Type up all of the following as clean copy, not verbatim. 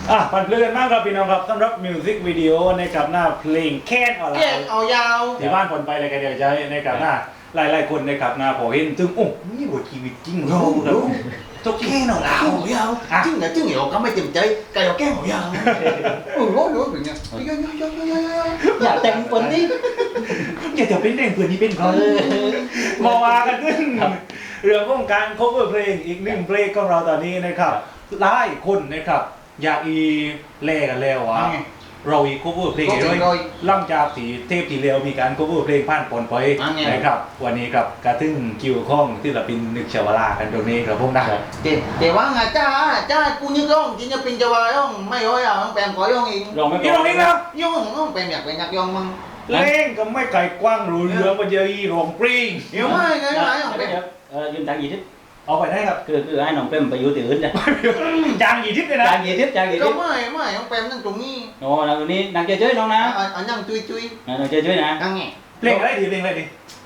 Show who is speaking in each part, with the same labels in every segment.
Speaker 1: ปั่นเพลินมากครับพี่น้องครับสำหรับมิวสิกวิดีโอในกับหน้าเพลงแค้นออนไล
Speaker 2: แก้
Speaker 1: น์
Speaker 2: เอายาว
Speaker 1: ที่บ้านผลไปอะไรกันเดี๋ยวจะในกับหน้าหลายคนในกับหน้าพอเห็นจึงโอ้นี่บทชีวิตจริงเราครับจบแค่หน่อย
Speaker 2: แก้เอายาวจึงเนี่ยจึงเหรอก็ไม่เต็มใจไก่เอาแก้เอายาวรู้เป็นไงอย่าแต่งคนนี้
Speaker 1: อย่าจะเป็นเรื่องเพื่อนที่เป็นเขามาว่ากันขึ้นเรื่องของการ cover เพลงอีกหนึ่งเพลงของเราตอนนี้นะครับหลายคนนะครับอยากอีแลกันแล้ววะเราอีก cover เพลงเลยหลังจากที่เทปที่แล้วมีการ cover เพลงผ่านปนไปนะครับวันนี้กับกระทึ่งคิวข้องที่เราเป็นนึกชาวลากันตรงนี้ครับพวกนั้น
Speaker 2: แต่ว่าไงจ้ากูนึกร้องจริงจะเป็นจะวายร้องไม่ร้อยอ่ะต้องแปลงขอร้องเอง
Speaker 1: ร้องไม่ร้องเองนะ
Speaker 2: ย่องต้องแปลงอยากเป็นนักร้องมั้ง
Speaker 1: เล่งก็ไม่ไกลกว้างรู้เรื่องมันเยอะอีร้องปริง
Speaker 2: เดี๋ยวไม่ไงไม่ต้องแปลง
Speaker 3: ยืมตังกี่ทิศ
Speaker 1: เอาไปได้ครับ
Speaker 3: คือให้น้องเป้มไปอยู่ที่อื่นจ้ะ
Speaker 1: จางกี่ทิศเลยนะ
Speaker 3: จางกี่ทิศ
Speaker 2: ก็ไม่ต้องแปลงนั่งตรงนี้
Speaker 3: โอ้แล้วนี้นางเจ๊ยน้องนะ
Speaker 2: อันนั่งจุย
Speaker 3: นางเจ๊ยนะ
Speaker 2: นั่งไง
Speaker 1: เพลงอะไรดีเพลงอะไรดี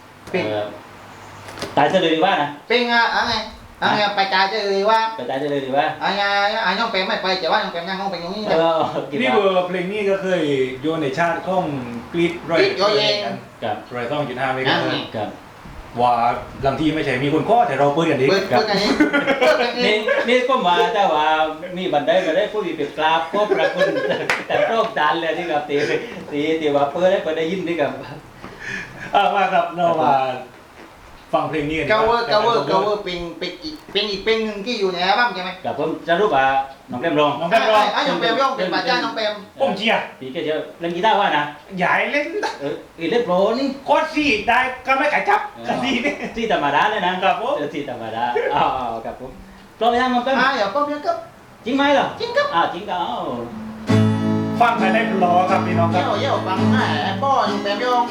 Speaker 3: ตายเฉลยดีว่านะ
Speaker 2: เป็นไงไปจ่ายจะเลยว่า
Speaker 3: ไปตายเฉลยดีว่า
Speaker 2: ย่องแปลงไม่ไปแต่ว่าย่องแปลงนั่งห้องเป็นตรงนี้
Speaker 1: นี่เบอร์เพลงนี้ก็เคยโยนในชาติข้องกรีดรอยกัน
Speaker 3: กับ
Speaker 1: รอยต้องจุดห้าไม่กัน
Speaker 3: กับ
Speaker 1: ว่าบางทีไม่ใช่มีคนข้อแต่เราเปิดกันดี
Speaker 2: เปิดกันนี้
Speaker 3: นี่ก็มาแต่ว่ามีบันไดมาได้ผู้มีเปรียบกราบก็ประคุณแต่โรคจานเลยที่กับตีว่าเปิดได้ยินที่กับ
Speaker 1: มาครับเรามาฟังเพลงนี้กัน
Speaker 2: เกาเวอร์เป็นอีกเป็นหนึ่งที่อยู่ในอัลบั้มใช่ไหม
Speaker 3: กับผมจะรู้ว่าน้องเป้มร้อง
Speaker 1: น้องแป๊บรอง
Speaker 2: ย่องแปลงย่องเป็นป่าจ้าน้องแปลง
Speaker 1: ผมเชียร์
Speaker 3: ปีแกจะเล่นกีตาร์ว่านะ
Speaker 1: ใหญ่เล่น
Speaker 3: เล่นโปรนี่
Speaker 1: โคตรสี่ได้ก็ไม่ขายจับกันดีนี่
Speaker 3: ที่ธรรมดาเลยนะครับ
Speaker 1: ผม
Speaker 3: ที่ธรรมดาครับผมพร้อมยังน้องเป้ม
Speaker 2: อย่าก็เพียงกับ
Speaker 3: จริงไหมเหรอ
Speaker 2: จริงครับ
Speaker 3: จริงก็
Speaker 1: ฟังไปได้รอครับพี่น้องครับ
Speaker 2: เยี่ยวฟังแม่ป้อยังแปลงย่อง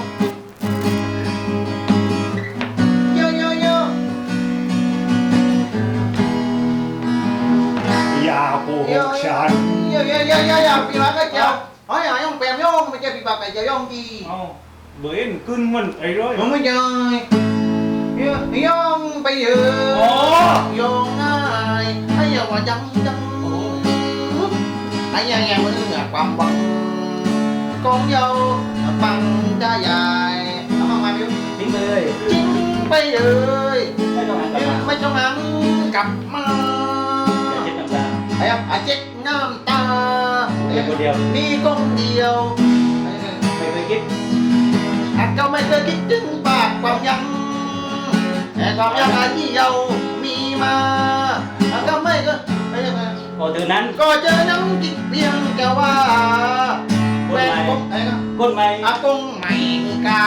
Speaker 2: เยี่ยว
Speaker 1: อย่าโกหกฉัน
Speaker 2: ปีบากก็เจ้าย่องแปลงย่องไม่ใช่ปีบากไก่เจ้าย่องดี
Speaker 1: เอาเบอร์เอ็นขึ้นมันไอ้ร้อย
Speaker 2: ผมไม่เจอย่องไปเยอะย่องง่ายให้อย่าว่าจังไอ้ยังมันเหนือความหวังกองเยาปังจ้าใหญ่ทำมาไม่
Speaker 3: ทิ้งไปเลย
Speaker 2: จริงไปเลย
Speaker 3: ไม่ต้องหันกลับมา
Speaker 2: ไม่ต้องหันกลับมา
Speaker 3: อย่าเช็ดน้ำตา
Speaker 2: ไอ้เจ็ดน้ำตา
Speaker 3: เพียงคนเดียว
Speaker 2: มีกองเดียว
Speaker 3: ไม่เคยคิด
Speaker 2: ก็ไม่เคยคิดถึงปากความยังแต่ความยังที่เรามีมาก็ไม่ก็
Speaker 3: พอถึงนั้น
Speaker 2: ก็เจอน้ำกินเพียงแต่ว่าแฟนผมไอ้ก็
Speaker 3: คนใหม่
Speaker 2: อากงไม่กล้าม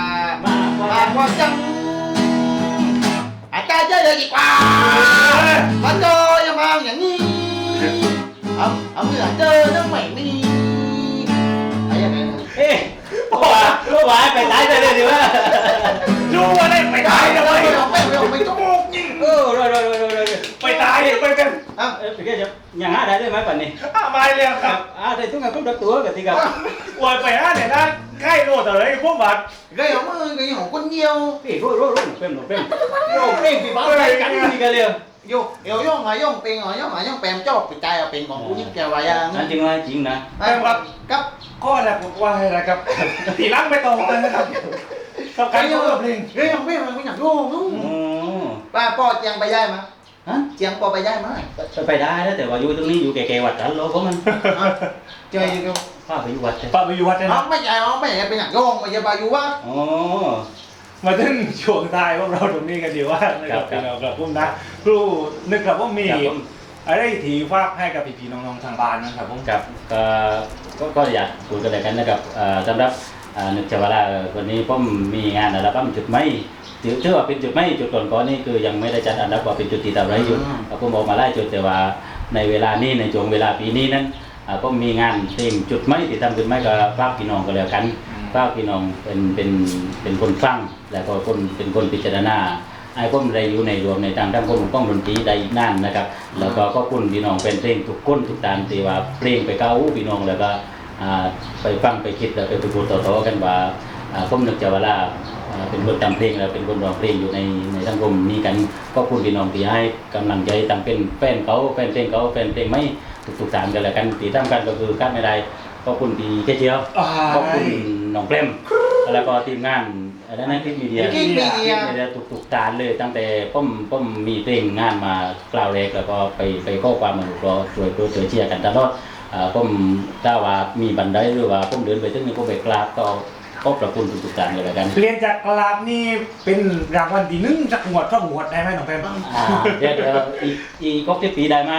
Speaker 3: ากก
Speaker 2: ปา
Speaker 3: ว่าก
Speaker 2: ว่าจังอาจารย์เจอเลยดีกว่ามันก็ยังมาอย่างนี้เอาเมื่อเจอแล้วไม่มีไอ้ยังไง
Speaker 3: เอ๊ะรู้ว่าไปตายไปเลยดีว่า
Speaker 1: รู้ว่าได้ไปตายทำไม
Speaker 2: ไม่ต้องยิง
Speaker 3: รอย
Speaker 1: ไปตายไปกัน
Speaker 3: ไปแค่จะยังหาได้ด้วยไหมปันนี้
Speaker 1: มาเลยครับ
Speaker 3: ได้ทุกงานครบดักตัวกับที่กับ
Speaker 1: อวยไปเนี่ยนะใกล้โลดอะไรพวกบัตร
Speaker 2: cái ống cái ống con nhiều
Speaker 3: พี่รู้เป็นปีบ้าไปกันนี่กันเลย
Speaker 2: vô yêu vô mà vô mà bèm cho bị tay là bèm còn cũng như kêu vậy à
Speaker 3: นั่นจริงว่าจริงนะ
Speaker 2: cấp
Speaker 1: ข้อแรกผมว่าอะไรครับตีลังไปตรงกันนะครับกับการเปิดเพลง
Speaker 2: cái không biết mà cái nhạc vô đúng
Speaker 3: อ๋อ
Speaker 2: ba po chàng bài dai mà
Speaker 3: ฮะ
Speaker 2: chàng po bài dai mà
Speaker 3: ไปได้แล้วแต่ว่าอยู่ตรงนี้อยู่แก่ๆวัดกันโลก็มัน
Speaker 2: chơi gì đâu
Speaker 3: ป้าไปอยู่วัดใช่
Speaker 1: ป้าไปอยู่วัดนะ
Speaker 2: không mấy dài không mấy bên nhạc vô mà giờ bà vô quá
Speaker 3: อ๋อ
Speaker 1: มาถึงช่วงท้ายพวกเราตรงนี้กันดีว่านะครับพี่น้องครับผมนะครูนึกครับว่ามีอะไรที่ฝากให้กับพี่ๆน้องๆทางบ้านนะครับผม
Speaker 3: กับก็อยากคุยกันเลยกันนะครับสำหรับนึกจะว่าวันนี้ผมมีงานอัลบั้มจุดไม่ถือว่าเป็นจุดไม่จุดก่อนนี่คือยังไม่ได้จัดอันดับว่าเป็นจุดที่ทำไรอยู่ผมบอกมาไล่จุดแต่ว่าในเวลานี้ในช่วงเวลาปีนี้นั้นก็มีงานเพลงจุดไม่ที่ทำจุดไม่ก็ฝากพี่น้องก็แล้วกันฝากพี่น้องเป็นคนฟังแล้วก็เป็นคนพิจารณาไอ้ผมได้อยู่ในรวมในทางด้านคนก้องดนตรีได้อีกนั่นนะครับแล้วก็คุณพี่น้องเป็นเพลงทุกคนทุกด้านที่ว่าเพลงไปเก้าพี่น้องแล้วก็ไปฟังไปคิดแล้วไปพูดต่อๆกันว่าผมนึกจะว่าเป็นคนทำเพลงแล้วเป็นคนร้องเพลงอยู่ในสังคมนี้กันก็คุณพี่น้องที่ให้กำลังใจตั้งเป็นแฟนเขาแฟนเพลงเขาแฟนเพลงไม่ทุกๆทางกันแล้วกันที่สำคัญก็คือการไม่ได้ขอบคุณพี่เจียวขอบคุณน้องเปรมแล้วก็ทีมงานอะไรนะที่มีเดีย
Speaker 2: กิ๊กมีเดีย
Speaker 3: ไม่ได้ทุกๆการเลยตั้งแต่ผมมีเพลงงานมากล่าวแรกแล้วก็ไปข้อความมาดูก็ช่วยเชียร์กันตลอดผมถ้าว่ามีบันไดหรือว่าผมเดินไปถึงนี่ผมไปกราบก็ขอบพระคุณทุกๆการเลยแล้วกัน
Speaker 1: เรียนจากกลาบนี่เป็นรางวัลที่หนึ่งจากหมวดท่องหมวดได้ไหมน้องแพม
Speaker 3: เดี๋ยวอีกครบที่ปีได้ไหม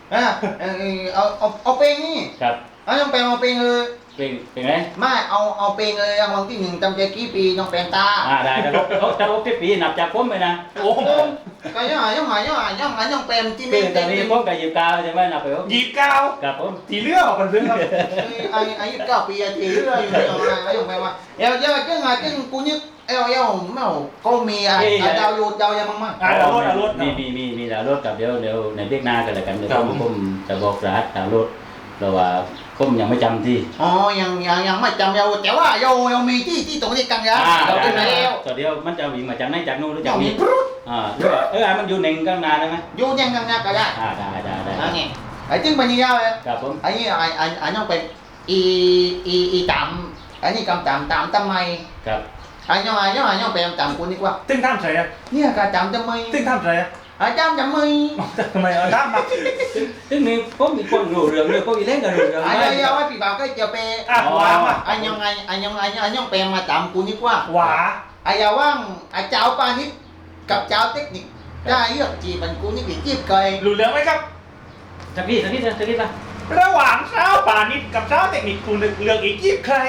Speaker 2: เอาเพลงนี่
Speaker 3: ครับ
Speaker 2: เอาน้องแปมเอาเพลงเลย
Speaker 3: เป็นไง
Speaker 2: ไม่เอาเพลงเลยรางวัลที่หนึ่งจำใจกี่ปีน้องแปมตา
Speaker 3: ได้ครับถ้าครบที่ปีนับจากผมไปนะ
Speaker 1: โอ้โห
Speaker 2: ก็ย่องแปมที่
Speaker 3: คื
Speaker 2: ไม่
Speaker 3: อตอนนี้ผมกับยิบกาวใช่ไหมนับไปผม
Speaker 1: 29
Speaker 3: ครับผม
Speaker 1: ทีเลือกออกกันเพื่อนครับ
Speaker 2: อายุ9 ปีทีเรื่อยย่องแปมว่าเดี๋ยวจึงกูนึกไม่เอาก็มีดาวยูดาวยังมั้ง
Speaker 1: ดาวรถ
Speaker 3: มีดาวรถกับเดี๋ยวในเรียกหน้ากันแล้วกันเดี๋ยวผมจะบอกรหัสดาวรถเราว่าผมยังไม่จำที่
Speaker 2: อ๋อยังไม่จำเราแต่ว่าเรามีที่ตรงนี้กันนะเราเป็นแล้ว
Speaker 3: ต่อเดียวมันจะวิ่งมาจากไหนจากนู้นหรือจาก
Speaker 2: มี
Speaker 3: นี้หรือว่ามันอยู่ในข้างหน้าได้ไหม
Speaker 2: อยู่ยังกันก็ได้
Speaker 3: ได้
Speaker 2: อันนี้ไอ้จึงเป็นยังไง
Speaker 3: ครับผม
Speaker 2: อันนี้อันน้องเป็นอีตามอันนี้กำตามทำไม
Speaker 3: ครับ
Speaker 2: อันน้องเป็นตามคุณดีกว่า
Speaker 1: ตึ้งท่ามใส่อะ
Speaker 2: เนี่ยกาจำทำไม
Speaker 1: ตึ้งท่ามใส่อะ
Speaker 2: อาจารย์ทำไม
Speaker 1: ทำไมเอาท่ามมา
Speaker 3: ซึ่งนี่ผมมีคนรู้เรื่องเลยผมมีเล่นกับเรื่อง
Speaker 2: อันนี้เอาไว้ปีบ่าวก็จะไป
Speaker 1: วางมา
Speaker 2: อันยังเป็นมาตามคุณดีกว่า
Speaker 1: หวา
Speaker 2: ไอ้ยาว่างไอ้เจ้าปานิชกับเจ้าเทคนิคได้เลือกจีบันกูนี่กี่จีบเกย
Speaker 1: รู้เรื่องไหมครับ
Speaker 3: สักนิดป่ะ
Speaker 1: ระหว่างเช้าป่านิดกับเช้าเทคนิคคุณเลือกอีกใคร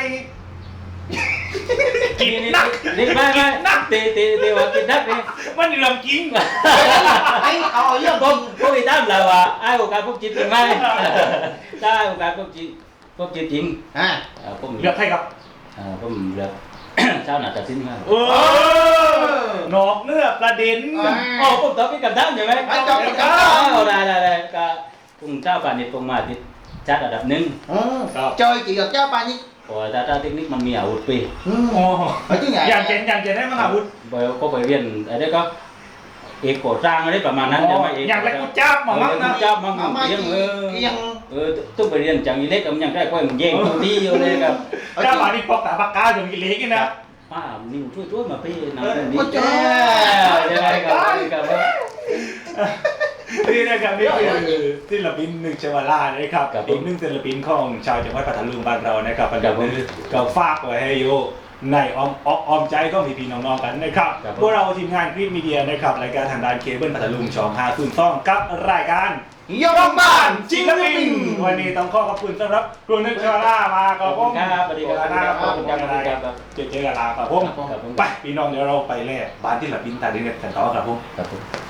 Speaker 1: กินนัก
Speaker 3: นี่ไม่ตีว่ากินนักนี่
Speaker 1: มันเรื่องจริง
Speaker 2: ไอ้เอาเรื่อง
Speaker 3: ผมอีตามเราว่าไอ้โอกาสพวกจิตจริงไหมถ้าโอกาสพวกจิตจริง ผม
Speaker 1: เลือกใครครับ
Speaker 3: ผมเลือกเช้าหน้าตัดสินครับ
Speaker 1: นอกเนื้อประเด็น
Speaker 3: ผมตอบเป็นคำถามใช่ไหมได้ก็พุ่งเจ้าป่านิดพุ่งมาติดชาติระดับหนึ่ง
Speaker 2: จอยจีกับเจ้าปานิช
Speaker 3: เพราะถ้าเทคนิคมันมีอาวุธปี
Speaker 1: โอ้
Speaker 2: ไอ้ที่ไหน
Speaker 1: อย่างเจนได้มั้งอาวุธ
Speaker 3: ก็ไปเรียนอะไรก็เอกโกสร้างอะไรประมาณนั้นใช่ไหมเอก
Speaker 1: อย่างไรกูจ้ามามั้งนะ
Speaker 3: จ้ามั่ง
Speaker 2: เอามา
Speaker 3: ยัง
Speaker 2: ยัง
Speaker 3: ต้องไปเรียนจังอีเล็กมันยังได้ค่อยมันแย่งที่อยู่เลยครับ
Speaker 1: จ้าป่านิดปอกตาปากกาอย่างนี้เล็กนะ
Speaker 3: ป้านิ่วช่วยมาพี่น้ำ
Speaker 2: โอ้
Speaker 3: นี่
Speaker 2: เจ้า
Speaker 3: ยังไงครับ
Speaker 1: นี่นะครับนี่คือศิลปินหนึ่งเชวาล่านะครับอีกหนึ่งศิลปินของชาวจังหวัดพัทลุงบ้านเรานะครับปัจจุบันก็ฝากไว้ให้อยู่ในอ้อมใจก็มีพี่น้องๆกันนะครับพวกเราทีมงานคลิปมีเดียนะครับรายการทางด้านเคเบิลพัทลุงช่อง502กับรายการ
Speaker 2: ยกบ้าน
Speaker 1: จิงกะลิงวันนี้ต้องขอบคุณสำหรับครูนึกเชวาล่ามาขอบคุณ
Speaker 3: ครับสวัสดีครับ
Speaker 1: ขอบคุณครับเจอกันลาครับผมไปพี่น้องเดี๋ยวเราไปแล่บ้านที่ศิลปินตาดินกันต่อครับผม
Speaker 3: ครับผม